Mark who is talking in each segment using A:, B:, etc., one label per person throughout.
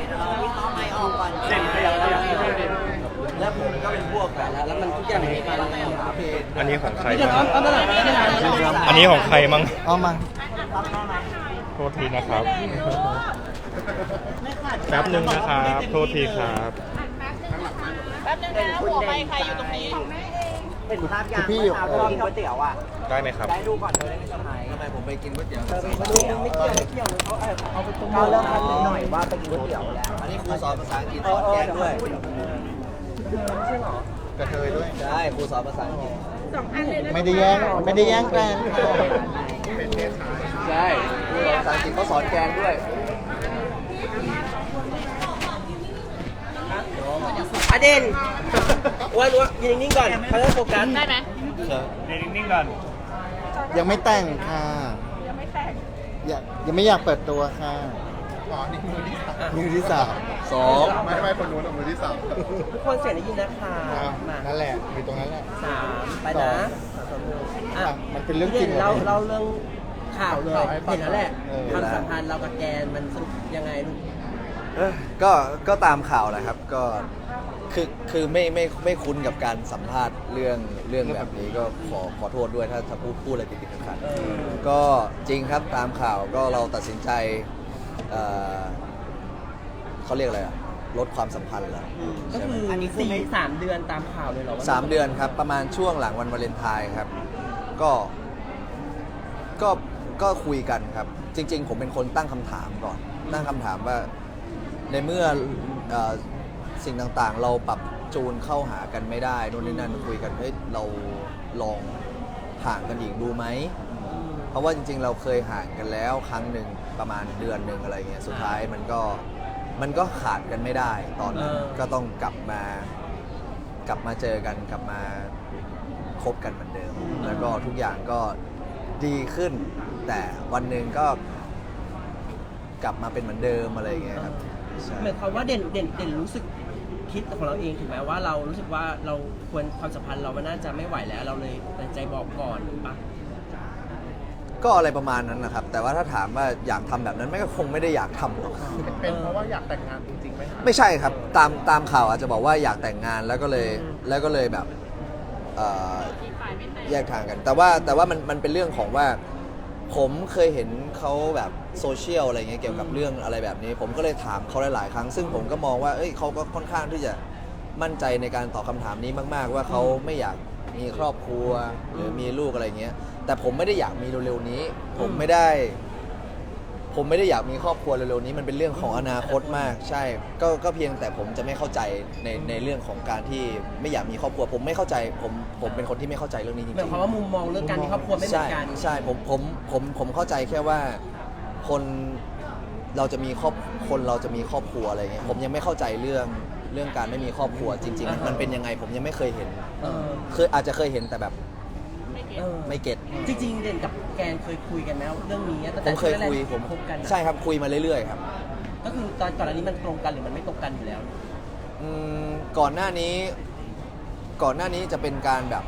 A: ไม่ออกก่อน
B: เด่นขยับเด่น
A: แล้วผมก็เป็นพวกกันแล้วมันทุกอย่างมีการเพจ
C: อันนี้ของใคร
A: เดี๋ยว
C: บ้าง
A: เอาตลาดไม่ได้
C: อันนี้ของใครมั้ง
D: เอามา
C: โทษทีนะครับ แป๊บหนึ่งนะครับ โทษทีครับ
E: แป๊บนึงนะหัวไมค์ใครอยู่ตรงนี้
A: เป็นภาพยางเมื่อเช้าที่กินก๋วยเตี๋ยวอ่ะ
C: ได้ไหมครับ
A: ได้ดูก่อนเลยไม่สบาย
D: ทำไมผมไปกินก๋วยเตี๋ยว
A: ไม่เกี่ยวเขาไปตรงเริ่มทันหน่อยว่าไปกินก๋วยเตี๋ยวแล้ว
D: อันนี้ครูสอนภาษาอังกฤษสอนแกงด้วย
A: ใช่หรอก
D: ระเทยด้วยใช่ครูสอนภาษาอังกฤษ
F: ไม่ได้แย่งกัน
D: ใช่ครูสอนภาษาอังกฤษเขาสอนแกงด้วย
A: อเด่นว่ายืนนิ่งๆก่อนเขาจะโฟกัส
E: ได้ไหม
B: เด่นนิ่งๆก่อน
F: ยังไม่แต่งค่ะ ยังไม่อยากเปิดตัวค่ะ
D: อ๋อ นี่มือที่สาม
F: มือที่สาม
D: สองไม่คนนู้นมือที่สาม
A: ทุกคนเสียงได้ยินนะคะมา
F: นั่นแหละอยู่ตรงนั้นแหละ
A: 3ไปนะอ่ะ
F: มันเป็นเรื่องจริง
A: เล่าเรื่องข่าวเลยเห็นแล้วแหละ
F: เออ
A: ความสัมพันธ์เรากับแกนมันสรุปยังไงลูก
D: ก็ตามข่าวแหละครับ ก็คือไม่คุ้นกับการสัมภาษณ์เรื่องแบบนี้ก็ขอโทษด้วยถ้าพูดอะไรผิดๆขัดๆก็จริงครับตามข่าวก็เราตัดสินใจเขาเรียกอะไรอะลดความสัมพันธ์แล้ว
A: ก็คืออันนี้3 เดือนตามข่าวเลยเหรอ
D: 3 เดือนครับประมาณช่วงหลังวันวาเลนไทน์ครับก็ก็คุยกันครับ จริง ๆ ผมเป็นคนตั้งคำถามก่อนตั้งคำถามว่าในเมื่อสิ่งต่างๆ เราปรับจูนเข้าหากันไม่ได้นู่นนี่นั่นคุยกันเฮ้ยเราลองห่างกันอีกดูไหมเพราะว่าจริงๆ เราเคยห่างกันแล้วครั้งหนึ่งประมาณเดือนหนึ่งอะไรเงี้ยสุดท้ายมันก็ขาดกันไม่ได้ตอนนั้นก็ต้องกลับมาเจอกันกลับมาคบกันเหมือนเดิมแล้วก็ทุกอย่างก็ดีขึ้น แต่วันหนึ่งก็กลับมาเป็นเหมือนเดิมอะไรเงี้ยครับใช่
A: หมายความว่าเด่นรู้สึกคิดของเราเองถูกไหมว่าเรารู้สึกว่าเราควรความสัมพันธ์เรามันน่าจะไม่ไหวแล้วเราเลยตัดสินใจบอกก่อนปะ
D: ก็อะไรประมาณนั้นนะครับ แต่ว่าถ้าถามว่าอยากทำแบบนั้นไม่ก็คงไม่ได้อยากทำหรอก
B: เป็นเพราะว่าอยากแต่งงานจริงๆไหม
D: ไม่ใช่ครับตามข่าวอาจจะบอกว่าอยากแต่งงานแล้วก็เลยแบบแยกทางกัน แต่ว่ามันเป็นเรื่องของว่าผมเคยเห็นเขาแบบโซเชียลอะไรเงี้ยเกี่ยวกับเรื่องอะไรแบบนี้ ผมก็เลยถามเขาหลายๆครั้งซึ่งผมก็มองว่าเขาก็ค่อนข้างที่จะมั่นใจในการตอบคำถามนี้มากๆ ว่าเขาไม่อยากมีครอบครัวหรือมีลูกอะไรเงี้ยแต่ผมไม่ได้อยากมีเร็วๆนี้ ผมไม่ได้อยากมีครอบครัวเร็วๆนี้มันเป็นเรื่องของอนาคตมากใช่ก็เพียงแต่ผมจะไม่เข้าใจในเรื่องของการที่ไม่อยากมีครอบครัวผมไม่เข้าใจผมเป็นคนที่ไม่เข้าใจเรื่องนี้จริง
A: หมายความว่ามุมมองเรื่องการมีครอบครัวไม่เหมื
D: ใช่
A: อนกัน
D: ใช่ผมเข้าใจแค่ว่าคนเราจะมีครอบครัวอะไรเงี้ยผมยังไม่เข้าใจเรื่องการไม่มีครอบครัวจริงๆมันเป็นยังไงผมยังไม่เคยเห็นอาจจะเคยเห็นแต่แบบไม่เก็ต
A: จริงๆเด่นกับแกนเคยคุยกันไหมเรื่องนี้ตั้ง
D: ผ
A: แต่
D: มเคยคุย
A: แรกๆคบกัน
D: ใช่ครับคุยมาเรื่อยๆครับ
A: ก็คือตอนก่อนอันนี้มันตรงกันหรือมันไม่ตรงกันอยู่แล้ว
D: ก่อนหน้านี้จะเป็นการแบบ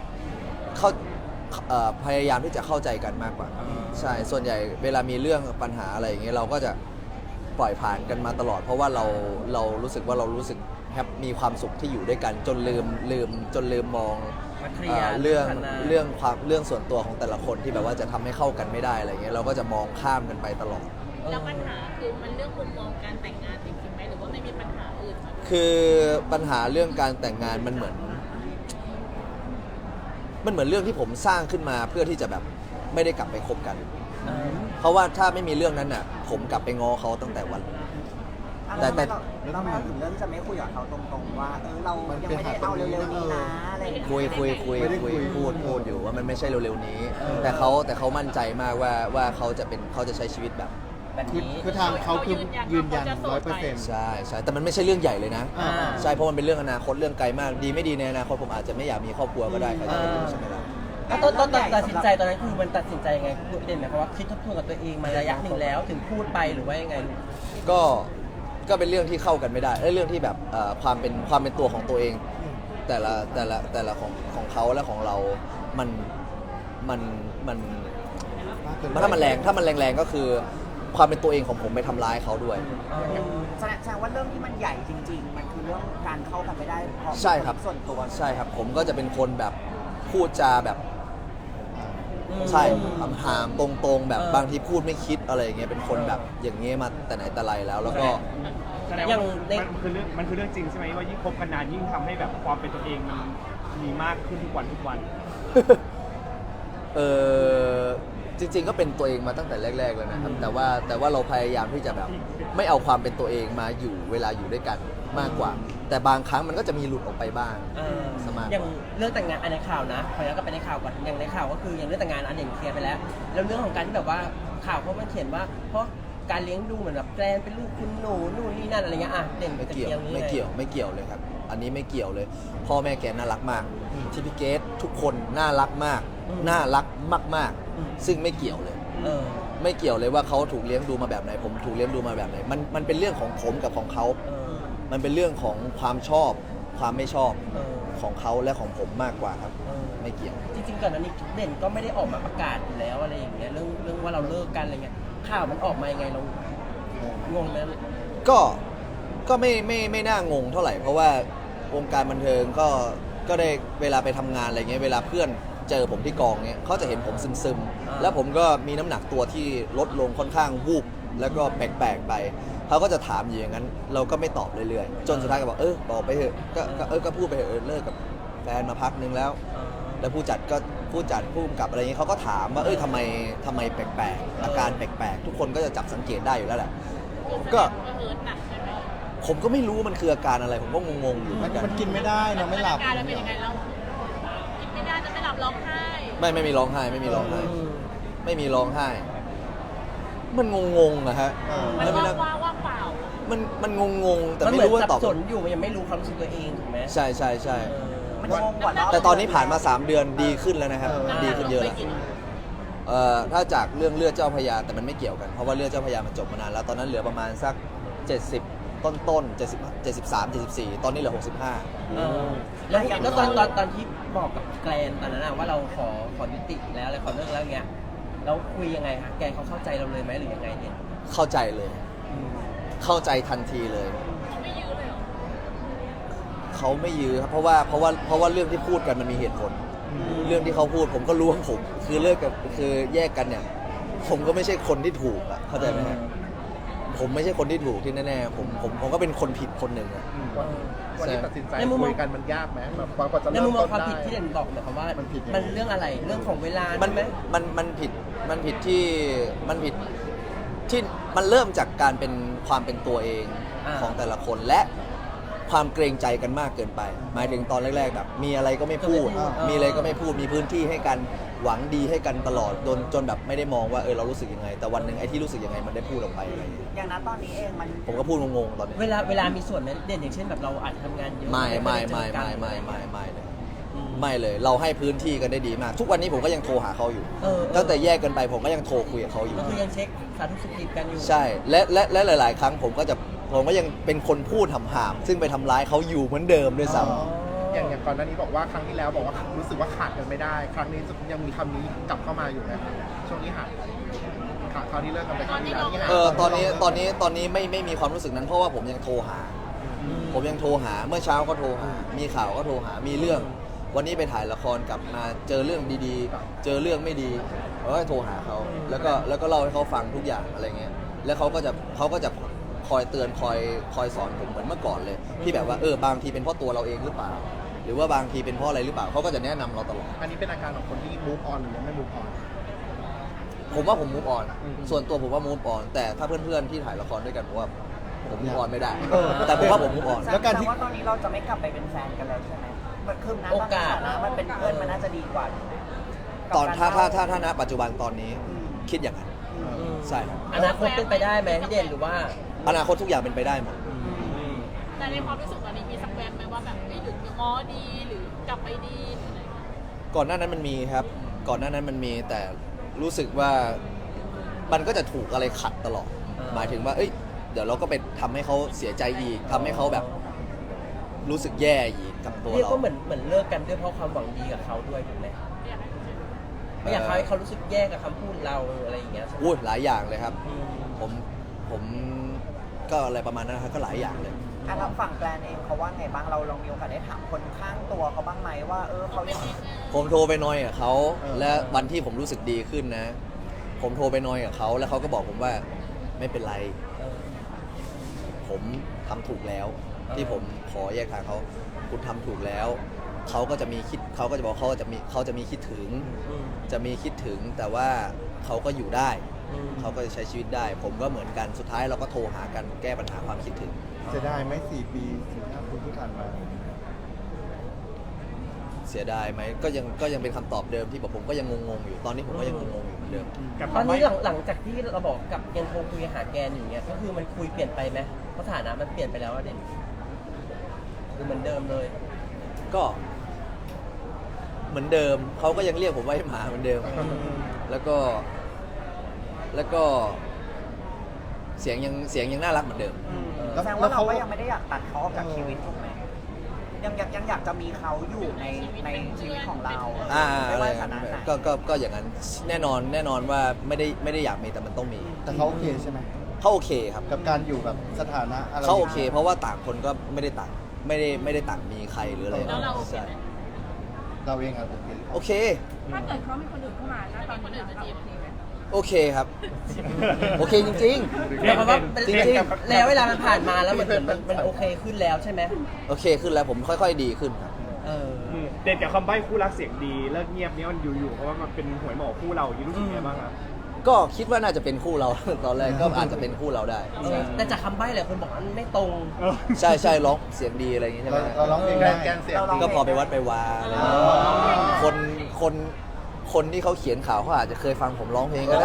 D: พยายามที่จะเข้าใจกันมากกว่าใช่ส่วนใหญ่เวลามีเรื่องปัญหาอะไรอย่างเงี้ยเราก็จะปล่อยผ่านกันมาตลอด เพราะว่าเรารู้สึกว่าเรารู้สึกมีความสุขที่อยู่ด้วยกันจนลืมมอง
A: มาเคลียร์
D: เรื่องส่วนตัวของแต่ละคนที่แบบว่าจะทำให้เข้ากันไม่ได้อะไรเงี้ยเราก็จะมองข้ามกันไปตลอด
E: แล้วปัญหาคือมันเรื่องมุมมองการแต่งงานจริงๆไหมหรือว่าไม่มีปัญหาอื่นไหม
D: คือปัญหาเรื่องการแต่งงานมันเหมือนเรื่องที่ผมสร้างขึ้นมาเพื่อที่จะแบบไม่ได้กลับไปคบกัน เพราะว่าถ้าไม่มีเรื่องนั้นน่ะผมกลับไปง้อเขาตั้งแต่วันแต่
A: เรามาถึงเรื่องจะไม่คุยกับเขาตรงๆว่าเรายังไม่ได้เอาเร็วๆนี้นะอะไรอย่างเงี้ย
D: คุยพูดอยู่ว่ามันไม่ใช่เร็วๆนี้ แต่เขามั่นใจมากว่าเขาจะใช้ชีวิตแบบ
F: คือทางเขาคือยืนยัน100%
D: ใช่แต่มันไม่ใช่เรื่องใหญ่เลยนะ
F: อ่า
D: ใช่เพราะมันเป็นเรื่องอนาคตเรื่องไกลมากดีไม่ดีในอนาคตผมอาจจะไม่อยากมีครอบครัวก็ได้ใครจะไปรู้ใช่ไหมล่ะ
A: แล้วตอนตัดสินใจตอนนั้นคือมันตัดสินใจยังไงเด่นหมายความว่าคิดทบทวนกับตัวเองมาระยะหนึ่งแล้วถึงพูดไปหรือว่ายังไง
D: ก็เป็นเรื่องที่เข้ากันไม่ได้เรื่องที่แบบความเป็นตัวของตัวเอง แต่ละของเขาและของเรา ถ้ามันแรงก็คือความเป็นตัวเองของผมไปทำร้ายเขาด้วย
G: แสดงว่าเรื่องที่มันใหญ่จริง ๆ มันคือเรื่องการเข้ากันไม่ได้เพราะ
D: ใช่ครับ
G: ส่วนตัว
D: ใช่ครับ ผมก็จะเป็นคนแบบพูดจาแบบใช่หามตรงๆแบบบางทีพูดไม่คิดอะไรอย่างเงี้ยเป็นคนแบบอย่างเงี้ยมาแต่ไหนแต่ไรแล้วแล้วก็
B: แสดงว่ามันคือเรื่องจริงใช่ไหมว่ายิ่งคบกันนานยิ่งทำให้แบบความเป็นตัวเองมันมีมากขึ้นทุกวัน
D: จริงๆก็เป็นตัวเองมาตั้งแต่แรกๆแล้วนะครับแต่ว่าเราพยายามที่จะแบบไม่เอาความเป็นตัวเองมาอยู่เวลาอยู่ด้วยกันมากกว่า แต่บางครั้งมันก็จะมีหลุดออกไปบ้าง สมาร์ท
A: อย่างเรื่องแต่งงานอันในข่าวนะขอย้อนกลับไปในข่าวก่อนอย่างในข่าวก็คืออย่างเรื่องแต่งงานอันเด่นเคลียร์ไปแล้วแล้วเรื่องของการที่แบบว่าข่าวเขามันเขียนว่าเพราะการเลี้ยงดูเหมือนแบบแกลนเป็นลูกคุณหนูนู่นนี่นั่นอะไรเงี้ยอ่ะเด่น
D: ไม่
A: จะ
D: เกี่ยว
A: คลีร์นี้
D: ไม่เกี่ยวเลยครับ อันนี้ไม่เกี่ยวเลย พ่อแม่แกน่ารักมากที่พี่เกดทุกคนน่ารักมากน่ารักมากๆซึ่งไม่เกี่ยวเลย ไม่เกี่ยวเลยว่าเขาถูกเลี้ยงดูมาแบบไหนผมถูกเลี้ยงดูมาแบบไหนมันเป็นเรื่องของผมกับของเขา มันเป็นเรื่องของความชอบความไม่ชอบของเขาและของผมมากกว่าครับไม่เกี่ยว
A: จริงๆก่อนหน้านี้เด่นก็ไม่ได้ออกมาประกาศอยู่แล้วอะไรอย่างเงี้ยเรื่องว่าเราเลิกกันอะไรเงี้ยข่าวมันออกมายังไงเรางงไหม
D: ก็ไม่น่างงเท่าไหร่เพราะว่าวงการบันเทิงก็ได้เวลาไปทำงานอะไรเงี้ยเวลาเพื่อนเจอผมที่กองเงี้ยเขาจะเห็นผมซึมๆแล้วผมก็มีน้ำหนักตัวที่ลดลงค่อนข้างวูบแล้วก็แปลกๆไปเขาก็จะถามอยู่อย่างนั้นเราก็ไม่ตอบเรื่อยๆจนสุดท้ายก็บอกบอกไปเถอะก็พูดไปเถอะเลิกกับแฟนมาพักนึงแล้วผู้จัดผู้กำกับอะไรเงี้ยเขาก็ถามว่าทำไมแปลกๆอาการแปลกๆทุกคนก็จะจับสังเกตได้อยู่แล้วแหละก็
E: เฮิร์ตหนักใช่ไหม
D: ผมก็ไม่รู้มันคืออาการอะไรผมก็งงๆอยู่เหมือนกัน
F: มันกินไม่ได้นะไม่หลับ
E: อาการแล้วเป็นยังไงเรากินไม่ได้จะไม่หลับร้องไห้
D: ไม่มีร้องไห้ไม่มีร้องไห้ไม่มีร้องไห้ มันงงๆอะฮะ
E: มัน
D: แล้ว
E: ว่างเปล่า
D: มันงงๆแต่
A: มัน
D: ไม่
A: เหมือน
D: รู้ว่า
A: สับ
D: ตอบ
A: สนอยู่มันยังไม่รู้ความรู้สึกตัวเองถูกไหม
D: ใช่
G: มันงงกว่าเรา
D: แต่ตอนนี้ผ่านมา3 เดือนดีขึ้นแล้วนะครับดีขึ้นเยอะแล้วถ้าจากเรื่องเลือดเจ้าพระยาแต่มันไม่เกี่ยวกันเพราะว่าเลือดเจ้าพระยามันจบมานานแล้วตอนนั้นเหลือประมาณสัก70ต้น73 74ตอนนี้เหลือ65
A: แล้วตอนที่บอกกับแกรนตอนนั้นว่าเราขอยุติแล้วอะไรขอเลิกแล้วเงี้ยแล้วคุยยังไงคะแกเขาเข้าใจเราเลยไหมหรือยังไงเนี่ย
D: เข้าใจเลย เข้าใจทันทีเลย
E: ไม่ยื้อเลยเหรอ
D: เขาไม่ยื้อครับเพราะว่าเรื่องที่พูดกันมันมีเหตุผล เรื่องที่เขาพูดผมก็รู้ของผมคือเลิกกับคือแยกกันเนี่ย ผมก็ไม่ใช่คนที่ถูกอะเข้าใจไหมฮะผมไม่ใช่คนที่ถูกที่แน่ๆผมก็เป็นคนผิดคนหนึ่งอะ
B: วันนี้ตัดสินใจ
A: ในมุมมอง
B: คุยกันมันยากไหมแบบกว่าจะ
A: ใน
B: เริ่
A: มุ
B: ม
A: มมอ
B: ต้
A: ง
B: น
A: ความ
B: ได้
A: ผิดที่เด่นบอกเนี่ยคำว่า
F: มันผิดยังไง
A: มันเรื่องอะไรเรื่องของเวลา
D: มัน
A: ใช่ไหม
D: มันผิดที่มันเริ่มจากการเป็นความเป็นตัวเองของแต่ละคนและความเกรงใจกันมากเกินไป หมายถึงตอนแรกๆแบบมีอะไรก็ไม่พูด มีอะไรก็ไม่พูดมีพื้นที่ให้กันหวังดีให้กันตลอดจนแบบไม่ได้มองว่าเรารู้สึกยังไง แต่วันหนึ่งไอ้ที่รู้สึกยังไงมันได้พูดออกไปอะไรอย่างเงี้ย
G: อย่างนั้นตอนนี้เองมัน
D: ผมก็พูดงงๆตอนนี้
A: เวลามีส่วนไหมเด่นอย่างเช่นแบบเราอาจจะทำงานเยอะ
D: ไม่เลยเราให้พื้นที่กันได้ดีมาก ทุกวันนี้ผมก็ยังโทรหาเขาอยู่ตั้งแต่แยกกันไปผมก็ยังโทรคุยกับเขาอยู่
A: ก็คือยังเช็คสาธุสุขดิบกันอยู่
D: ใช่และหลาย ๆ ครั้งผมก็ยังเป็นคนพูดห่ามๆซึ่งไปทำร้ายเขาอยู่เหมือนเดิมด้วยซ้ำ
B: อย่างก่อนหน้านี้บอกว่าครั้งที่แล้วบอกว่ารู้สึกว่าขาดกันไม่ได้ ครั้งนี้ยังมีคำนี้กลับเข้ามาอยู่ไหมครับช่วงนี้หายไปคราวที่เลิกกันไปครั้งที่แล้วนี่หาย
D: ตอนนี้ไม่มีความรู้สึกนั้นเพราะว่าผมยังโทรหาเมื่อเช้าก็โทรหามีข่าวก็โทรหามีเรื่องวันนี้ไปถ่ายละครกลับมาเจอเรื่องดีๆเจอเรื่องไม่ดีเราก็โทรหาเขาแล้วก็เล่าให้เขาฟังทุกอย่างอะไรเงี้ยแล้วเขาก็จะคอยเตือนคอยสอนผมเหมือนเมื่อก่อนเลยที่แบบว่าบางทีเป็นเพราะตัวเราเองหรือเปล่าหรือว่าบางทีเป็นเพราะอะไรหรือเปล่าเขาก็จะแนะนำเราตลอด
B: อันนี้เป็นอาการของคนที่ move on หรือยังไม่ move on
D: ผมว่าผม move on ส่วนตัวผมว่า move on แต่ถ้าเพื่อนๆที่ถ่ายละครด้วยกันผมว่าผม move on ไม่ได้แต่ผมว่าผม move on
F: แล้วการที่
G: แต่ว่าตอนนี้เราจะไม่กลับไปเป็นแฟนกันแล้วใช่ไหมคือนะตอนนี้นะมันเป็นเพื่อนมันน่าจะดีกว่าถูกไหม
D: ตอนถ้าณปัจจุบันตอนนี้คิดอย่างนั้นใช่ครับ
A: อนาคตเป็นไปได้ไหมพี่เด่นหรือว่า
D: อนาคตทุกอย่างเป็นไปได้หมด
E: แต่ในความรู้สึกตอนนี้มีสักแวบไหมว่าแบบหรือง้อดีหรือกลับไปดีหรืออะไร
D: ก่อนหน้านั้นมันมีครับก่อนหน้านั้นมันมีแต่รู้สึกว่ามันก็จะถูกอะไรขัดตลอดหมายถึงว่าเดี๋ยวเราก็ไปทำให้เขาเสียใจอีกทำให้เขาแบบรู้สึกแย่อีกกับตัว
A: เรียก
D: เรา
A: ว่าเหมือนเลิกกันด้วยเพราะความหวังดีกับเขาด้วยถูกไหม
E: อยากให้
A: ไม่อยากให้เขารู้สึกแย่กับคำพูดเราอะไรอย่างเงี้ยใช่ไหม
D: หลายอย่างเลยครับผมก็อะไรประมาณนั้นนะครับก็หลายอย่างเลย
G: เราฝั่งแกรนเองเขาว่าไงบ้างเราลองมีโอกาสได้ถามคนข้างตัวเขาบ้างไหมว่าเขายัง
D: ผมโทรไปนอยกับเขาและวันที่ผมรู้สึกดีขึ้นนะ ผมโทรไปนอยกับเขาแล้วเขาก็บอกผมว่าไม่เป็นไร ผมทำถูกแล้ว ที่ผมขอแยกทางเขาคุณทำถูกแล้วเขาก็จะมีคิดเขาก็จะบอกเขาจะมีคิดถึง จะมีคิดถึงแต่ว่าเขาก็อยู่ได้ เขาก็จะใช้ชีวิตได้ ผมก็เหมือนกันสุดท้ายเราก็โทรหากันแก้ปัญหาความคิดถึง
F: จะได้ไหม4 ปี4-5 ปีที่ผ่านมา
D: เสียดายไหมก็ยังเป็นคำตอบเดิมที่ผมก็ยังงงๆอยู่ตอนนี้ผมก็ยังงงๆอยู่เหมือนเดิม
A: ตอนนี้หลังจากที่เราบอกกับยังโทรคุยหาแกนอยู่เงี้ยก็คือมันคุยเปลี่ยนไปไหมเพราะสถานะมันเปลี่ยนไปแล้วอะเด่นหรือเหมือนเดิมเลย
D: ก็เหมือนเดิมเขาก็ยังเรียกผมว่าไอ้หมาเหมือนเดิม แล้วก็เสียงยังน่ารักเหมือนเดิม
G: แสดงว่าเราก็ยังไม่ได้อยากตัดเขาออกจากชีวิตถูกไหมยังอยากจะมีเขาอยู่ในชีวิตของเราไม่ว่าฐานะไหน
D: ก็อย่างนั้นแน่นอนว่าไม่ได้อยากมีแต่มันต้องมี
F: แต่เขาโอเคใช่ไหม
D: เขาโอเคครับ
F: กับการอยู่แบบสถานะอะไร
D: เขาโอเค เพราะว่าต่างคนก็ไม่ได้ต่างมีใครหรืออะไร
E: แล้วเราโอเค
D: ใช่
E: ไหม
F: เราเองอะโอเค
D: โอเค
E: ถ้าเกิดเขามีคนอื่นเข้ามานะตอนคนอื่นมาจีบโอเคไหม
D: โอเคครับ โอเคจริง
A: หมายความว่า
D: จริง
A: แล้วเวลามันผ่านมาแล้วมันโอเคขึ้นแล้วใช่ไหม
D: ๆโอเคขึ้นแล้วผมค่อยๆดีขึ้นครับ
H: เด่นกับคำใบ้คู่รักเสียงดีเลิกเงียบเนี้ยมันอยู่ๆเพราะว่ามันเป็นหวยหมอคู่เรารู้สึกไงบ้างครับ
D: ก็คิดว่าน่าจะเป็นคู่เรา ตอนแรกก็อาจจะเป็นคู่เราได้
A: แต่จากคำใบ้หลายคนบอกว่ามันไม่ตรง
D: ใช่ร้องเสียงดีอะไรอย่างงี้ใช่ไหม
F: เราร้องเพลง
B: แก
F: ได้
B: นแกนเสียงดี
D: ก็พอไปวัดไปวาอะไรอย่างเงี้ยคนที่เขาเขียนข่าวเขาอาจจะเคยฟังผมร้องเพลงก็ได้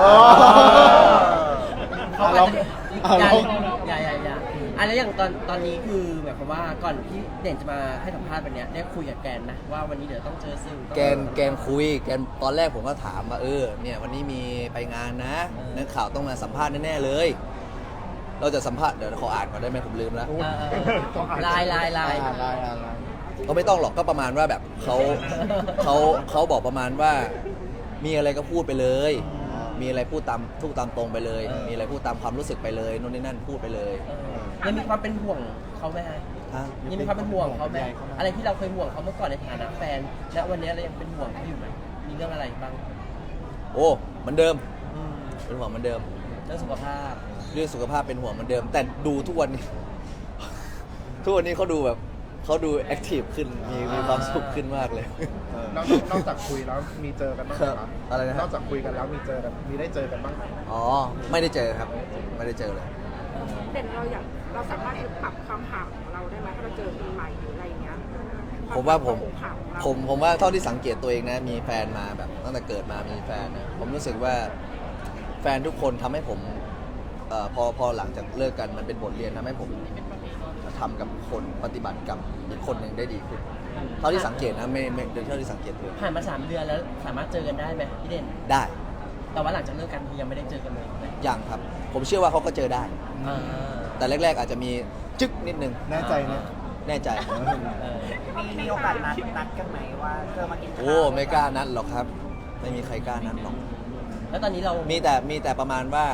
A: เขาอาจจะ
F: เอาลอง
A: อย่าอันแล้วอย่างตอนนี้คือหมายความว่าก่อนที่เด่นจะมาให้สัมภาษณ์วันเนี้ยได้คุยกับแกนนะว่าวันนี้เดี๋ยวต้องเจอสื่อ
D: แกนคุยแกนตอนแรกผมก็ถามว่าเนี่ยวันนี้มีไปงานนะนักข่าวต้องมาสัมภาษณ์แน่ๆเลย เราจะสัมภาษณ์เดี๋ยวขออ่านก่อนได้ไหมผมลืมแล้ว
A: ลาย
D: ก็ไม่ต้องหรอกก็ประมาณว่าแบบเขาบอกประมาณว่ามีอะไรก็พูดไปเลย มีอะไรพูดตามตรงไปเลย มีอะไรพูดตามความรู้สึกไปเลยโน่นนี่นั่นพูดไปเลย
A: ยังมีความเป็นห่วงเขาไหมฮะ
D: ฮะ
A: ยังมีความเป็นห่วงเขาไหมอะไรที่เราเคยห่วงเขาเมื่อก่อนในฐานะแฟนและวันนี้เรายังเป็นห่วงเขาอยู่ไหมมีเรื่องอะไรบ้าง
D: โอ้เหมือนเดิมเป็นห่วงเหมือนเดิม
A: เรื่องสุขภาพ
D: เรื่องสุขภาพเป็นห่วงเหมือนเดิม แต่ดูทุกวันนี้ ทุกวันนี้เขาดูแอคทีฟขึ้นมีความสุขขึ้นมากเลย
B: นอกจากคุยแล้วมีเจอกันบ้างไหมครับ
D: อะไรนะ
B: นอกจากคุยกันแล้วมีได้เจอกันบ้างไหม
D: อ๋อไม่ได้เจอครับ ไม่ได้เจอเลย
I: เด่นเราสามารถปรับคำถามของเราได้ไหมถ้าเราเจอปีใหม่หรืออะไรอย่างเงี้ย
D: ผมว่าผม
I: ถามของเรา
D: ผมว่าเท่าที่สังเกตตัวเองนะมีแฟนมาแบบตั้งแต่เกิดมามีแฟนนะผมรู้สึกว่าแฟนทุกคนทำให้ผมพอหลังจากเลิกกันมันเป็นบทเรียนทำให้ผมทำกับคนปฏิบัติกับอีกคนหนึ่งได้ดีขึ้นเท่าที่สังเกตนะไม่เท่าที่สังเกตตัวเอง
A: ผ่านมา3 เดือนแล้วสามารถเจอกันได้ไหมพี่เด่น
D: ได้
A: แต่ว่าหลังจากเลิกกันคือยังไม่ได้เจอกันเลย
D: อย่างครับ ผมเชื่อว่าเขาก็เจอได้
A: อ่า
D: แต่แรกๆอาจจะมีจึ๊กนิดนึง
F: แน่ใจนะ
D: แน่ใจ
G: มีโอกาสนัดกันไหมว่าเจอมากินข้าว
D: โอ้ไม่กล้านัดหรอกครับ ไม่มีใครกล้านัดหรอก
A: แล้วตอนนี้เรา
D: มีแต่ประมาณว่า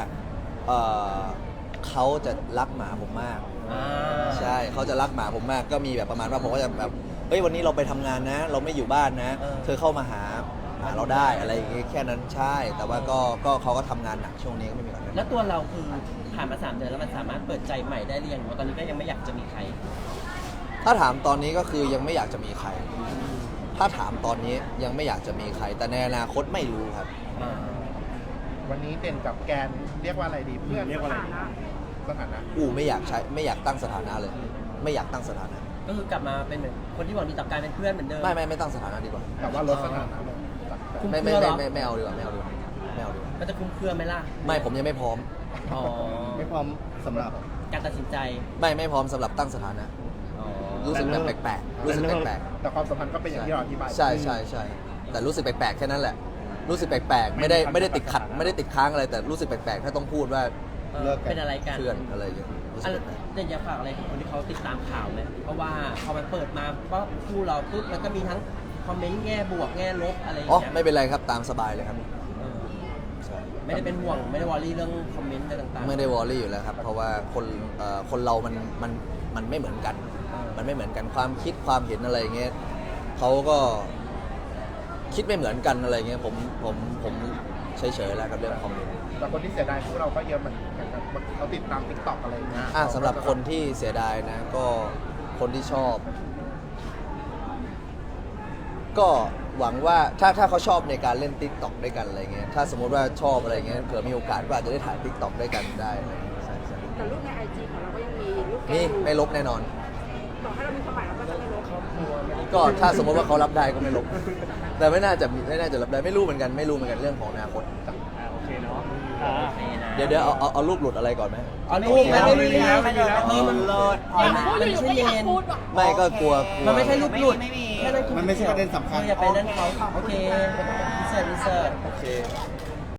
D: เขาจะรักหมาผมมาก ใช่เขาจะรักหมาผมมากก็มีแบบประมาณว่าผมก็จะแบบเฮ้ยวันนี้เราไปทำงานนะ เราไม่อยู่บ้านนะ เธอเข้ามาหาเราได้อะไรอย่างงี้แค่นั้นใช่ แต่ว่าก็เขาก็ทำงานหนักช่วงนี้ก็ไม่มีอะไร
A: แล้วตัวเราคือผ่านมา3 เดือนแล้วมันสามารถเปิดใจใหม่ได้หรือยังหรือว่าตอนนี้ก็ยังไม่อยากจะมีใคร
D: ถ้าถามตอนนี้ก็คือยังไม่อยากจะมีใคร ถ้าถามตอนนี้ยังไม่อยากจะมีใคร แต่ในอนาคตไม่รู้ครับ
B: วันนี้เด่นกับแกนเรียกว่าอะไรดีเพื่อนเรียกว่าอะไรดีสถานะ
D: ไม่อยากตั้งสถานะเลย ไม่อยากตั้งสถานะ
A: ก็คือกลับมาเป็นเหมือนคนที่หวังดีต่อการเป็นเพื่อนเหมือนเดิม
D: ไม่ตั้งสถานะดีกว่า
B: แต่ว่าลดสถานะลงจากแฟน
A: คุ้ม
D: ไม่
A: เครือเหรอ
D: ไม่เอาดีกว่าไม่เอาดีกว่าไม่เอาดีกว่า
A: มันจะคุ้มเครือไหมล่ะ
D: ไม่ผมยังไม่พร้อม
A: อ๋อ
F: ไม่พร้อมสำหรับ
A: การตัดสินใจ
D: ไม่พร้อมสำหรับตั้งสถานะ รู้สึกแบบแปลกๆรู้สึกแปลก
B: แต่ความสัมพันธ์ก็เป็นอย่างที่เราอธิบาย
D: ๆใช่แต่รู้สึกแปลกๆแค่นั้นแหละ รู้สึกแปลกๆไม่ได้ติดขัดไม่ได้ติดค้างอะไรแต่รู้สึกแปลกๆถ้าต้องพูดว่า
F: เลิกกัน
A: เป็นอะไรกัน
D: เพื่อนอะไรอย่างเงี้ยรู้สึกแปลก
A: เด่นอยากฝากอะไรถึงคนที่เขาติดตามข่าวไหมเพราะว่าพอมันเปิดมาก็คู่เราปุ๊บมันก็มีทั้งคอมเมนต์แง่บวกแง่ลบอะไรอย่าง
D: อ๋อ
A: เงี้ย
D: ไม่เป็นไรครับตามสบายเลยครับ
A: เออ
D: ใช่
A: ไม่ได้เป็นห่วงไม่ได้วอรี่เรื่องคอมเมนต์อะไรต่างๆ
D: ไม่ได้วอรี่อยู่แล้วครับ เพราะว่าคนเรามันไม่เหมือนกัน มันไม่เหมือนกันความคิดความเห็นอะไรเงี้ยเขาก็คิดไม่เหมือนกันอะไรเงี้ยผมเฉยๆแล้วกับเรื่องคอมเมนต์
B: แต่คนที่เสียดายพวกเราก็เยอะเหมือนกันเขาติดตาม TikTok อะไรอย่างเงี้ย
D: สำหรับคนที่เสียดายนะก็คนที่ชอบ ก็หวังว่าถ้าเขาชอบในการเล่น TikTok ด้วยกันอะไรเงี้ยถ้าสมมติว่าชอบอะไรเงี้ยเผื่อมีโอกาสก็อาจจะได้ถ่าย TikTok ด้วยกันได้อะไรเงี้ยใช่
I: แต่รูปในไอจีของเราก็ยังมีรูปแก
D: นี่
I: อยู่
D: ไม่ลบแน่นอน
I: ต่อให้เรามีความหมายเราก็จะไม่ลบ
D: ก็ถ้าสมมติว่าเขารับได้ก็ไม่ลบ แต่ไม่น่าจะรับได้ไม่รู้เหมือนกันเรื่องของอนาคต
H: โอเคเนาะ
D: เดี๋ยวเอารูปหลุดอะไรก่อนไหม
A: เอาลูกมันไม่มีแล้ว
G: ไม่เลย
A: มัน
G: เลิศ
E: อยากพูดอยู่ก็อยากพูดว่ะ
D: ไม่ก็กลัว
A: มันไม่ใช่รูปหลุด
G: ไม่มี
A: แค่นั้นคือ
F: มันไม่ใช่ประเด็นสำคัญ
A: อย่าไปนั่นเขาโอเคอินเสิร์ต
D: โอเค